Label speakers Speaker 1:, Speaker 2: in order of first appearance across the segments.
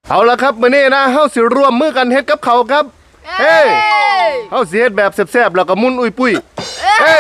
Speaker 1: เอาละครับมื้อนี้นะเฮาสิร่วมมือกันเฮ็ดกับเขาครับเฮ้ยเฮาสิเฮ็ดแบบแซ่บๆแล้วก็มุนอุ้ยปุ้ยเฮ้ย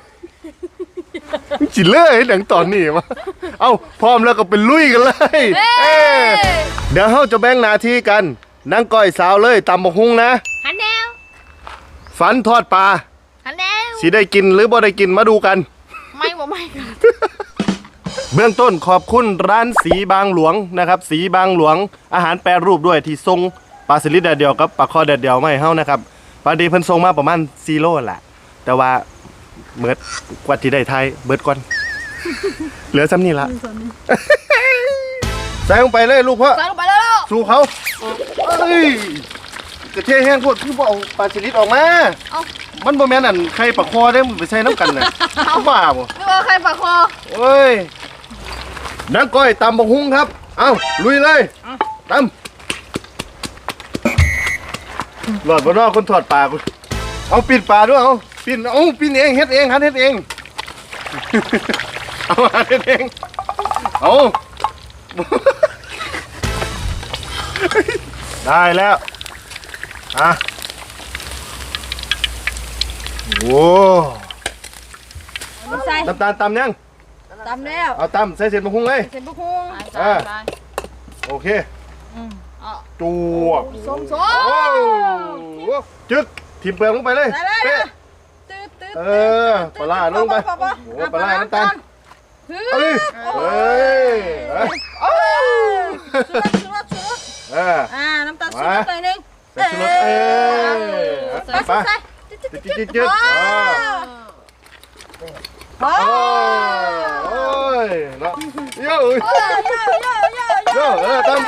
Speaker 1: จิเล่เฮ็ดหยังตอนนี้วะเอ้าพร้อมแล้วก็เป็นลุยกันเลยเดี๋ยวเฮาจะแบ่งหน้าที่กันนางก้อยสาวเลยตำบักหุ่งนะ
Speaker 2: หันแนว
Speaker 1: ฝันทอดปลา
Speaker 2: หันแนว
Speaker 1: สิได้กินหรือบ่ได้กินมาดูกัน
Speaker 2: ไม่กัน
Speaker 1: เบื้องต้นขอบคุณร้านสีบางหลวงนะครับสีบางหลวงอาหารแปรรูปด้วยที่ส่งปลาสลิดแดดเดียวกับปลาคอแดดเดียวมาให้เฮานะครับปลาดีเพิ่นส่งมาประมาณ4 โลแหละแต่ว่าเบิดกว่าที่ได้ไทยเบิดก่อนเหลือซ้ำนี่ละใส่ลงไปเลยลูกพ่อ
Speaker 2: ใส่ลงไปแล้ว
Speaker 1: สู่เขาเอ้ยกระเทียมแห้งโคตรคือบ่เอาปลาสลิดออกมามันบ่แม่นอันไข่ปลาคอได้มันไปใส่น้ำกันน่ะบ้าบ่
Speaker 2: ไม่ว่าใครปากคอ
Speaker 1: เอ้ยนางก้อยตำบักหุ่งครับเอาลุยเลยตำหลอดบนนอกคนถอดปลากูเอาปิดปลาด้วยเอาปิดเองเฮ็ดเองหัดเฮ็ดเองเอาหัดเฮ็ดเองเอาได้แล้วอ่ะโว้น้ำตาลตำยัง
Speaker 2: ตำแล้ว
Speaker 1: เอาตำใส่เศษบักหุ่งเลย
Speaker 2: เสร็จบุคุ้ง
Speaker 1: โอเคจวบ
Speaker 2: ส้ม
Speaker 1: จึ๊กทิมเปลือกลงไปเลยเป๊ะปลาลงไปโอ้ปลาน้ำตาลเอ้ย
Speaker 2: น้ำตาลสุดหน่อยนึง
Speaker 1: ใส่ชุดไปจิ๊ดโอ้ยเนาะโย่ตามไป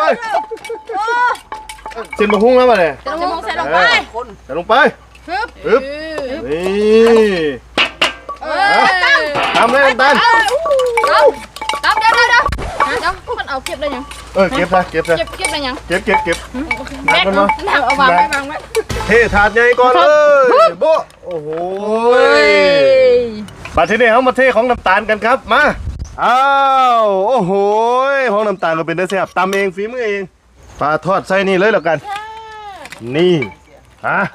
Speaker 1: เส้นบะฮุ่งแล้วมาเลย
Speaker 2: จะมองใส่ลงไป
Speaker 1: ใส่ลงไปฮึบนี่ตามเลยน้ำตาล
Speaker 2: ตามเดี๋ยวมันเอาเก็บได้ยัง
Speaker 1: เก็บ
Speaker 2: ได้ยัง
Speaker 1: เก็บ
Speaker 2: แบกเอาวางไว้
Speaker 1: เทถาดใหญ่ก่อนเลยโบโอ้โหมาทีนี้เขามาเทของน้ำตาลกันครับมาอ้าวโอ้โหของน้ำตาลก็เป็นได้แซ่บตำเองฝีมือเองปลาทอดใส่นี่เลยแล้วกันนี่ฮะ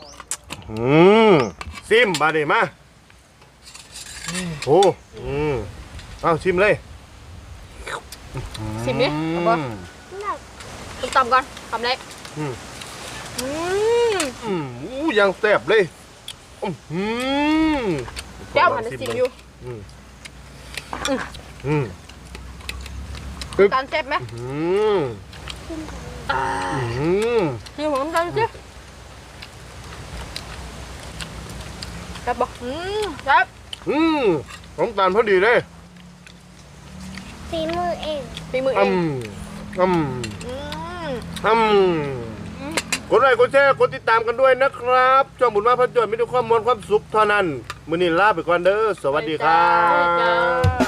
Speaker 1: ซิมมาดิมาโอ้เอาชิมเลย
Speaker 2: ชิมดิเอาบ่ตำก่อนตำเล็ก
Speaker 1: ยังแซ่บเลย
Speaker 2: แก้วมันจะซิมอยู่การแซ่บไหมนี่ผมทำสิแซ่บบอกแซ่บ
Speaker 1: ของตาลพอดีเลย
Speaker 2: ฝีมือเอง
Speaker 1: กดไลค์กดแชร์กดติดตามกันด้วยนะครับช่องบุญมาพันจวนมีแต่ความมวลความสุขเท่านั้นมื้อนี้ลาไปก่อนเด้อสวัสดีครับ